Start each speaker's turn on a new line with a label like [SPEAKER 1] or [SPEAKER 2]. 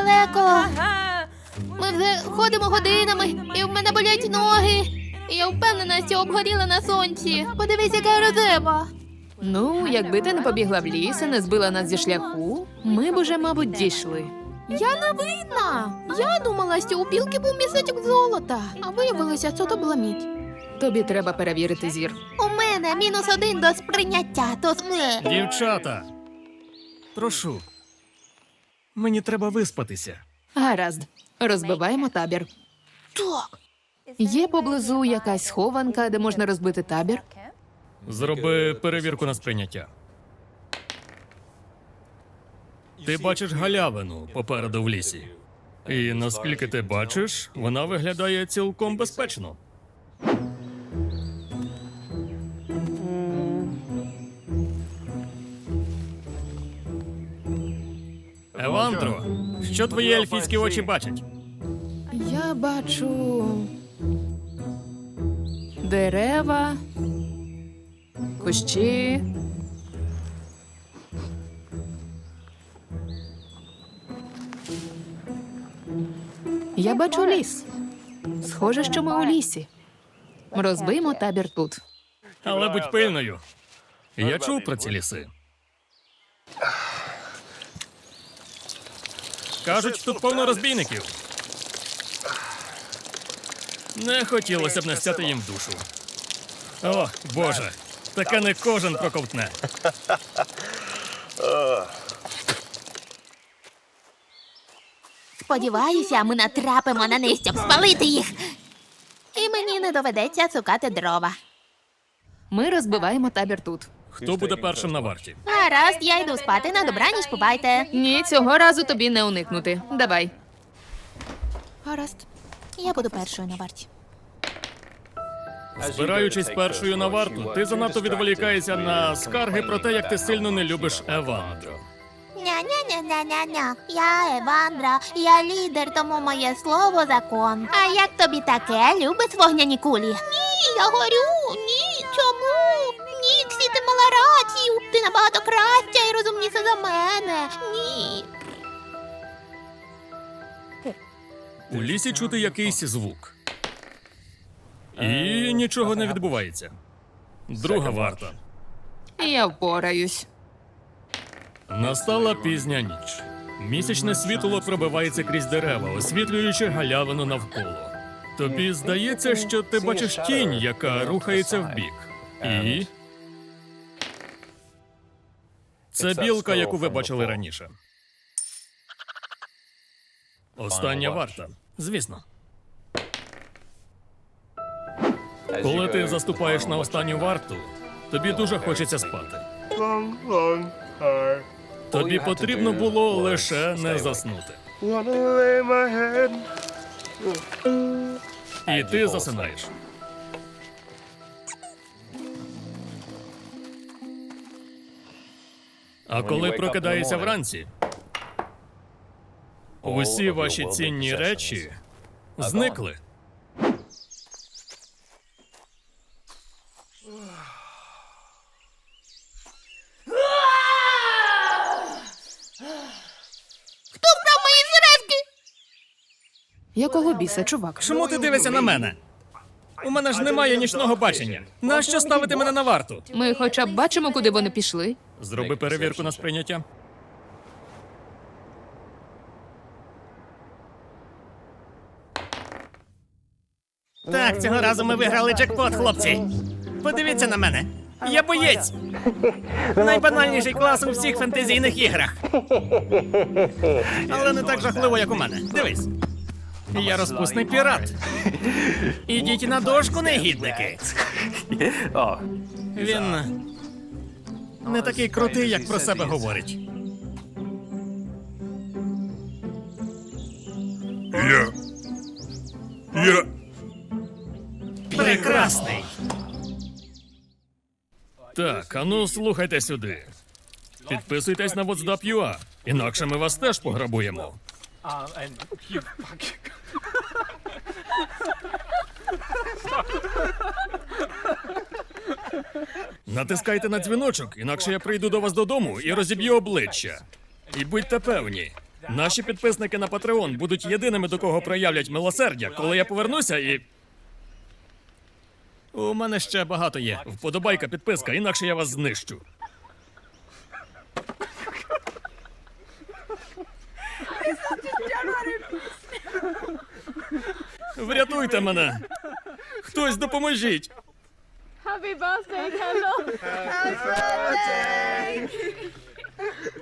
[SPEAKER 1] далеко. Ми вже ходимо годинами, і в мене болять ноги. І я впевнена, що обгоріла на сонці. Подивись, яка рожева.
[SPEAKER 2] Ну, якби ти не побігла в ліс і не збила нас зі шляху, ми б уже, мабуть, дійшли.
[SPEAKER 1] Я не винна. Я думала, що у білки був місячок золота, а виявилося, що то була мідь.
[SPEAKER 2] Тобі треба перевірити зір.
[SPEAKER 1] У мене -1 до сприйняття, то
[SPEAKER 3] Дівчата, прошу. Мені треба виспатися.
[SPEAKER 2] Гаразд, розбиваємо табір.
[SPEAKER 1] Так.
[SPEAKER 2] Є поблизу якась схованка, де можна розбити табір?
[SPEAKER 3] Зроби перевірку на сприйняття. Ти бачиш галявину попереду в лісі. І наскільки ти бачиш, вона виглядає цілком безпечно. Евандро, що твої ельфійські очі бачать?
[SPEAKER 2] Я бачу дерева, кущі. Я бачу ліс. Схоже, що ми у лісі. Розбиймо табір тут.
[SPEAKER 3] Але будь пильною. Я чув про ці ліси. Кажуть, тут повно розбійників. Не хотілося б настяти їм в душу. О, Боже, таке не кожен проковтне.
[SPEAKER 1] Сподіваюся, ми натрапимо на них, щоб спалити їх. І мені не доведеться цукати дрова.
[SPEAKER 2] Ми розбиваємо табір тут.
[SPEAKER 3] Хто буде першим на варті?
[SPEAKER 1] Гаразд, я йду спати. На добраніч, бувайте.
[SPEAKER 2] Ні, цього разу тобі не уникнути. Давай.
[SPEAKER 1] Гаразд. Я буду першою на варті.
[SPEAKER 3] Збираючись першою на варту, ти занадто відволікаєшся на скарги про те, як ти сильно не любиш Евандро.
[SPEAKER 1] Ня-ня-ня-ня-ня-ня. Я Евандра, я лідер, тому моє слово закон. А як тобі таке? Любиш вогняні кулі? Ні, я горю. Ні, чому? Ніксі, ти мала рацію. Ти набагато краща і розумніша за мене. Ні.
[SPEAKER 3] У лісі чути якийсь звук. І нічого не відбувається. Друга варта.
[SPEAKER 2] Я впораюсь.
[SPEAKER 3] Настала пізня ніч. Місячне світло пробивається крізь дерева, освітлюючи галявину навколо. Тобі здається, що ти бачиш тінь, яка рухається вбік. І... це білка, яку ви бачили раніше. Остання варта. Звісно. Коли ти заступаєш на останню варту, тобі дуже хочеться спати. Тобі потрібно було лише не заснути. І ти засинаєш. А коли прокидаєшся вранці, усі ваші цінні речі зникли.
[SPEAKER 1] Хто вкрав мої сережки?
[SPEAKER 2] Якого біса, чувак?
[SPEAKER 3] Чому ти дивишся на мене? У мене ж немає нічного бачення. Нащо ставити мене на варту?
[SPEAKER 2] Ми хоча б бачимо, куди вони пішли.
[SPEAKER 3] Зроби перевірку на сприйняття. Так, цього разу ми виграли джекпот, хлопці. Подивіться на мене. Я боєць. Найбанальніший клас у всіх фентезійних іграх. Але не так жахливо, як у мене. Дивись. Я розпусний пірат. Ідіть на дошку, негідники. Він не такий крутий, як про себе говорить.
[SPEAKER 4] Я...
[SPEAKER 3] Прекрасний. Так, а ну слухайте сюди. Підписуйтесь на WhatsApp.ua, інакше ми вас теж пограбуємо. Натискайте на дзвіночок, інакше я прийду до вас додому і розіб'ю обличчя. І будьте певні, Наші підписники на Patreon будуть єдиними, до кого проявлять милосердя, коли я повернуся і. У мене ще багато є. Вподобайка, підписка, інакше я вас знищу. Врятуйте мене! Хтось допоможіть!
[SPEAKER 4] Happy birthday, Kendall!